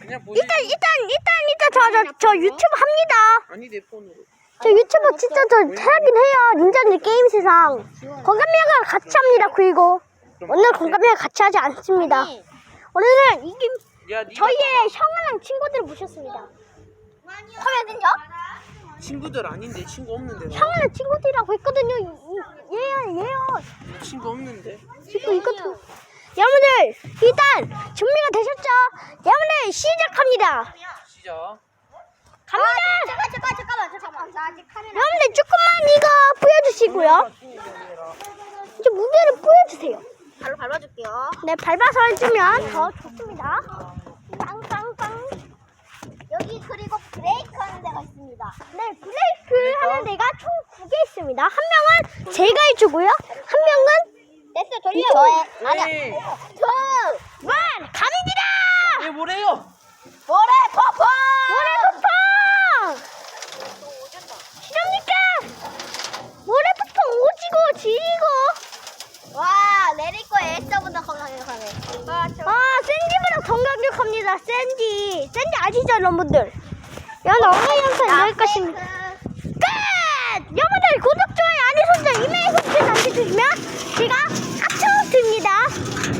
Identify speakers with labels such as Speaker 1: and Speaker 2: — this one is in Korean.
Speaker 1: 그냥 보내지.
Speaker 2: 일단 저 유튜브 합니다.
Speaker 1: 아니 내 폰으로.
Speaker 2: 저 유튜브 진짜 저 하긴 해요. 닌자들 게임 세상. 건강미가 같이 합니다. 그리고 오늘 건강미가 같이 하지 않습니다. 오늘은
Speaker 1: 야, 네가
Speaker 2: 저희의 형아랑 친구들을 모셨습니다. 화면은요?
Speaker 1: 친구들 아닌데 친구 없는데. 나.
Speaker 2: 형아랑 친구들이라고 했거든요. 얘요.
Speaker 1: 친구 없는데.
Speaker 2: 친구 있거든. 여러분들 일단 준비가 되셨죠? 여러분들 시작합니다.
Speaker 1: 시작.
Speaker 2: 갑니다.
Speaker 3: 잠깐만. 나 아직 카메라.
Speaker 2: 여러분들 조금만 이거 보여주시고요. 이제 무게를 보여주세요.
Speaker 3: 바로 밟아줄게요.
Speaker 2: 네, 밟아서 해주면 더 좋습니다.
Speaker 3: 빵빵빵. 여기 그리고 브레이크 하는 데가 있습니다.
Speaker 2: 네, 브레이크 하는 데가 총 9개 있습니다. 한 명은 제가 해주고요. 한 명은
Speaker 3: 됐어, 돌려. 저의. 아니야.
Speaker 1: 에이,
Speaker 2: 갑니다!
Speaker 1: 얘 뭐래요?
Speaker 3: 모래 퍼퍼.
Speaker 2: 모래폭풍! 시렵니까? 모래폭풍 오지고 지리고.
Speaker 3: 와, 내릴 거에 S보다 강력하네.
Speaker 2: 샌디보다 더 강력합니다. 샌디 아시죠, 여러분들? 여러분, 오늘 영상 여기까지입니다. 끝! 여러분들 구독, 좋아요, 알림 설정, 이메일 소식 남겨주시면 제가